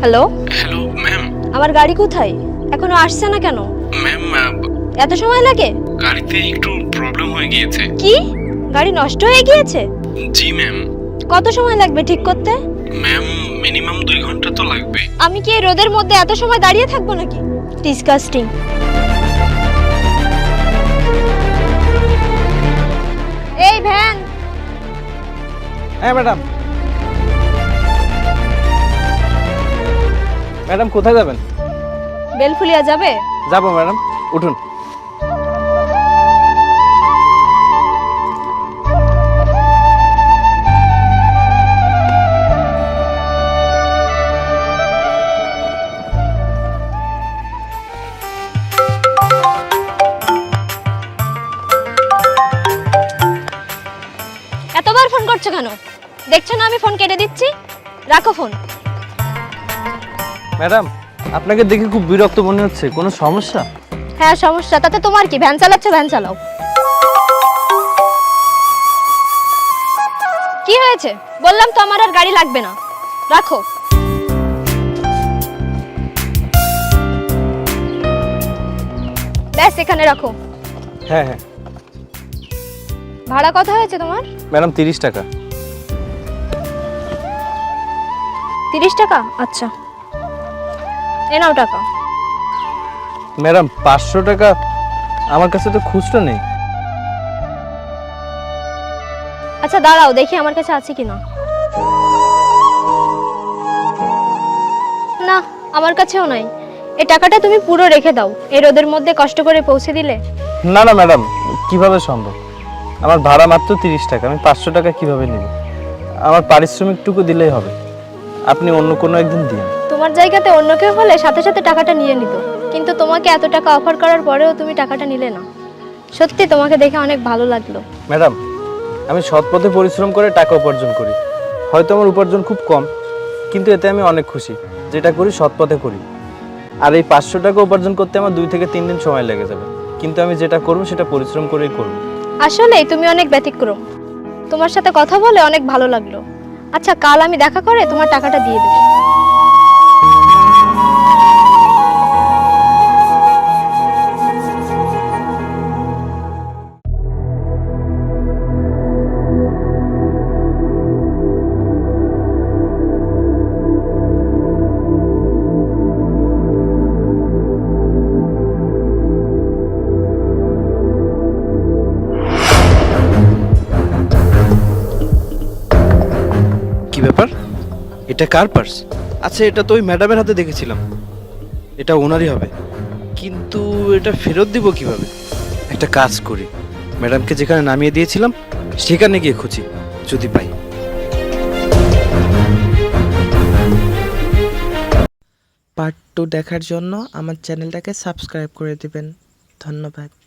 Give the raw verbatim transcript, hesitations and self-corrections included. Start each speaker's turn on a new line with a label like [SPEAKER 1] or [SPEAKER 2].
[SPEAKER 1] Hello
[SPEAKER 2] hello ma'am.
[SPEAKER 1] আমার গাড়ি কোথায়? এখনো আসছে না কেন?
[SPEAKER 2] ম্যাম
[SPEAKER 1] এত সময় লাগে?
[SPEAKER 2] গাড়িতে একটু প্রবলেম হয়ে গিয়েছে।
[SPEAKER 1] কি? গাড়ি নষ্ট হয়ে গিয়েছে?
[SPEAKER 2] জি ম্যাম।
[SPEAKER 1] কত সময় লাগবে ঠিক করতে?
[SPEAKER 2] ম্যাম মিনিমাম দুই ঘন্টা তো লাগবে।
[SPEAKER 1] আমি কি এই রোদের মধ্যে এত সময় দাঁড়িয়ে থাকবো নাকি? ডিসকাস্টিং। এই ভ্যান।
[SPEAKER 3] হ্যাঁ ম্যাডাম। ম্যাডাম কোথায় যাবেন?
[SPEAKER 1] বেলফুলিয়া যাবে?
[SPEAKER 3] যাবো ম্যাডাম, উঠুন।
[SPEAKER 1] এতবার ফোন করছো কেন? দেখছো না আমি ফোন কেটে দিচ্ছি। রাখো ফোন।
[SPEAKER 3] ম্যাডাম আপনাকে দেখে খুব বিরক্ত মনে হচ্ছে, কোনো সমস্যা?
[SPEAKER 1] হ্যাঁ সমস্যা, তাতে তোমার কি? ভ্যান চালাচ্ছ, ভ্যান চালাও। কি হয়েছে? বললাম তো আমার আর গাড়ি লাগবে না, রাখো। ব্যাস এখানে রাখো।
[SPEAKER 3] হ্যাঁ হ্যাঁ
[SPEAKER 1] ভাড়া কত হয়েছে তোমার?
[SPEAKER 3] ম্যাডাম তিরিশ টাকা।
[SPEAKER 1] তিরিশ টাকা? আচ্ছা, এ নাও টাকা।
[SPEAKER 3] ম্যাডাম পাঁচশো টাকা আমার কাছে তো খুচরো নেই।
[SPEAKER 1] আচ্ছা দাঁড়াও, দেখি আমার কাছে আছে কিনা। না, আমার কাছেও নাই। এই টাকাটা তুমি পুরো রেখে দাও, এই রোদের মধ্যে কষ্ট করে পৌঁছে দিলে।
[SPEAKER 3] না না ম্যাডাম, কিভাবে সম্ভব? আমার ভাড়া মাত্র তিরিশ টাকা, আমি পাঁচশো টাকা কিভাবে নিব? আমার পারিশ্রমিকটুকু দিলেই হবে, আপনি অন্য কোনো একদিন দিন।
[SPEAKER 1] তোমার জায়গাতে অন্য কেউ হলে সাথে সাথে টাকাটা নিয়ে নিত, কিন্তু তোমাকে এত টাকা অফার করার পরেও তুমি টাকাটা নিলে না। সত্যি তোমাকে দেখে অনেক ভালো লাগলো।
[SPEAKER 3] ম্যাডাম আমি সৎ পথে পরিশ্রম করে টাকা উপার্জন করি, হয়তো আমার উপার্জন খুব কম, কিন্তু এতে আমি অনেক খুশি। যেটা করি সৎ পথে করি। আর এই পাঁচশো টাকা উপার্জন করতে আমার দুই থেকে তিন দিন সময় লেগে যাবে, কিন্তু আমি যেটা করব সেটা পরিশ্রম করেই করব।
[SPEAKER 1] আসলেই তুমি অনেক ব্যতিক্রম। তোমার সাথে কথা বলে অনেক ভালো লাগলো। আচ্ছা কাল আমি দেখা করে তোমার টাকাটা দিয়ে দেবো।
[SPEAKER 3] কি ব্যাপার, এটা কার পার্স? আচ্ছা এটা তো ওই ম্যাডামের হাতে দেখেছিলাম, এটা ওনারই হবে, কিন্তু এটা ফেরত দিব কিভাবে? একটা কাজ করি, ম্যাডামকে যেখানে নামিয়ে দিয়েছিলাম সেখানে গিয়ে খুঁজি, যদি পাই।
[SPEAKER 4] পার্ট টু দেখার জন্য আমার চ্যানেলটাকে সাবস্ক্রাইব করে দিবেন। ধন্যবাদ।